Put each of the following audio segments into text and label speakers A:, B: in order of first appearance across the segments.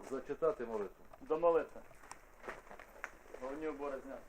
A: Зачитати молитву.
B: До молитви. Головні убори зняти.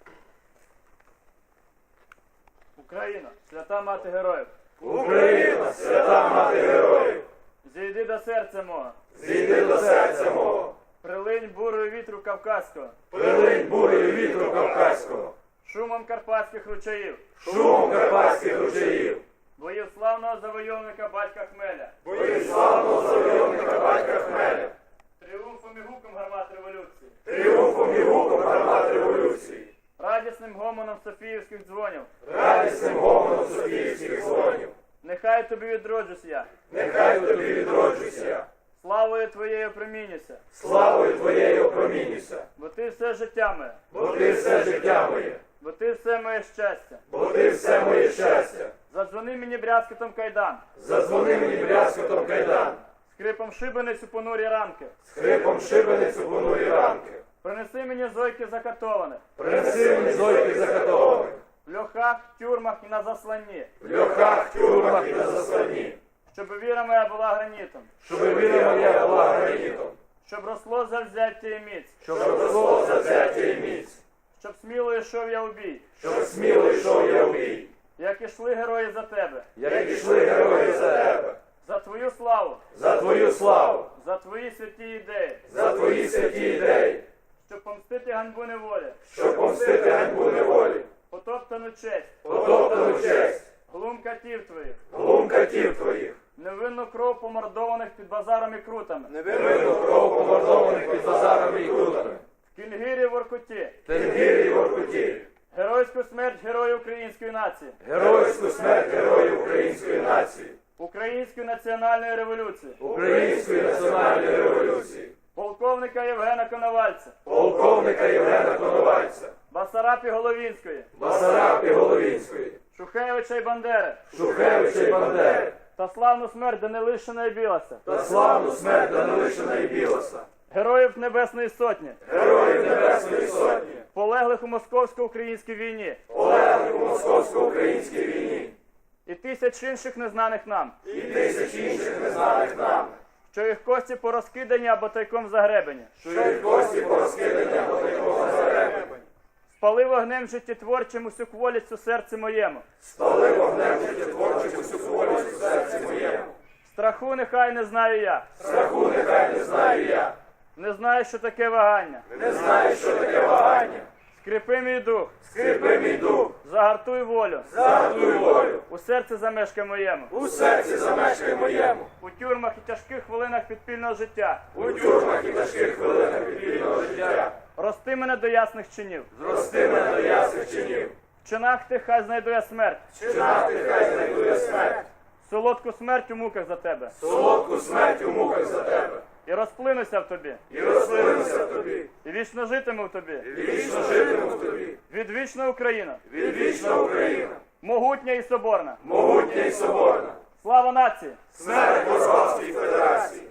B: Україна, свята мати героїв.
C: Україна, свята мати героїв.
B: Зійди до серця мого.
C: Зійди до серця мого.
B: Прилинь бурою вітру кавказького.
C: Прилинь бурею вітру кавказького.
B: Шумом карпатських ручаїв.
C: Шумом карпатських ручаїв.
B: Боїв славного завойовника батька Хмеля.
C: Боїв славного завойовника батька Хмеля.
B: Тріумфом і гуком гармат революції.
C: Тріумфом і гуком гармат революції.
B: Радісним гомоном Софіївських дзвонів.
C: Радісним гомоном Софіївських дзвонів.
B: Нехай тобі відроджусь я.
C: Нехай тобі відроджуся.
B: Славою твоєю промінюся.
C: Славою твоєю опромінюся.
B: Бо ти все життя моє.
C: Бо ти все життя моє.
B: Бо ти все моє щастя.
C: Бо ти все моє щастя.
B: Задзвони мені брязкотом кайдан.
C: Задзвони мені брязкотом кайдан.
B: Скрипом шибениць у понурі ранки.
C: Скрипом шибениць у понурі ранки.
B: Принеси мені зойки закатованих.
C: Принеси мені зойки закатованих.
B: В льохах, тюрмах і на засланні.
C: В льохах, тюрмах і на засланні.
B: Щоб віра моя була гранітом.
C: Щоб віра моя була гранітом.
B: Щоб росло завзяття і міць.
C: Щоб росло завзяття і міць.
B: Щоб сміло йшов я у бій.
C: Щоб сміло йшов я в бій.
B: Як ішли герої за тебе.
C: Як ішли герої за тебе.
B: За твою славу.
C: За твою славу.
B: За твої святі ідеї.
C: За твої святі ідеї.
B: Щоб помстити ганьбу неволі.
C: Щоб помстити ганьбу неволі.
B: Потоптану честь.
C: Потоптану честь.
B: Глум катів твоїх.
C: Глум катів твоїх.
B: Невинну кров помордованих під базарами і крутами.
C: Невинну кров помордованих під базарами і крутами.
B: В Кінгірі, Воркуті.
C: В Тенгірі і Воркуті.
B: Геройську смерть героїв української нації.
C: Геройську смерть героїв української нації.
B: Української національної революції.
C: Української національної революції.
B: Полковника Євгена Коновальця.
C: Полковника Євгена Коновальця.
B: Басарапі Головінської.
C: Басарапі Головінської.
B: Шухевича і Бандери.
C: Шухевича і Бандери.
B: Та славну смерть Данилишина і Білоса.
C: Та славну смерть Данилишина і Білоса.
B: Героїв Небесної Сотні.
C: Героїв Небесної Сотні.
B: Полеглих у московсько-українській війні.
C: Полеглих у московсько-українській війні.
B: І тисяч інших незнаних нам.
C: І тисяч інших незнаних нам.
B: Що їх кості порозкидані або тайком загребені.
C: Що їх кості порозкидані або тайком загребені.
B: Спали вогнем життєтворчим усю кволість у серці моєму.
C: Спали вогнем життєтворчим усю кволість у серці моєму.
B: Страху нехай не знаю я.
C: Страху нехай не знаю я.
B: Не знаю, що таке вагання.
C: Не знаю, що таке вагання.
B: Скріпи мій дух.
C: Скріпи мій дух.
B: Загартуй волю.
C: Загартуй волю.
B: У серці замешкай моєму.
C: У серці замешкай моєму.
B: У тюрмах і тяжких хвилинах підпільного життя.
C: У тюрмах і тяжких хвилинах підпільного життя.
B: Рости мене до ясних чинів.
C: Зрости мене до ясних чинів.
B: В чинах тих хай знайду я смерть.
C: В чинах ти хай знайду я смерть.
B: Солодку смерть у муках за тебе.
C: Солодку смерть у муках за тебе.
B: І розплинуся в тобі.
C: І розплинуся в тобі.
B: І вічно житиму в тобі.
C: І вічно житиму в тобі.
B: Відвічна Україна.
C: Відвічна Україна.
B: Могутня і соборна.
C: Могутня і соборна.
B: Слава нації!
C: Смерть Московській Федерації.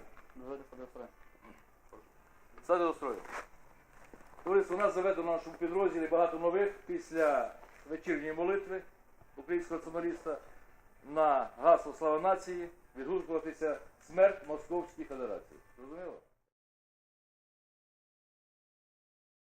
A: Сади до строю. Тобто у нас заведено в нашому підрозділі багато нових після вечірньої молитви українського націоналіста на гасло «Слава нації» відгукуватися «Смерть Московській Федерації». Зрозуміло?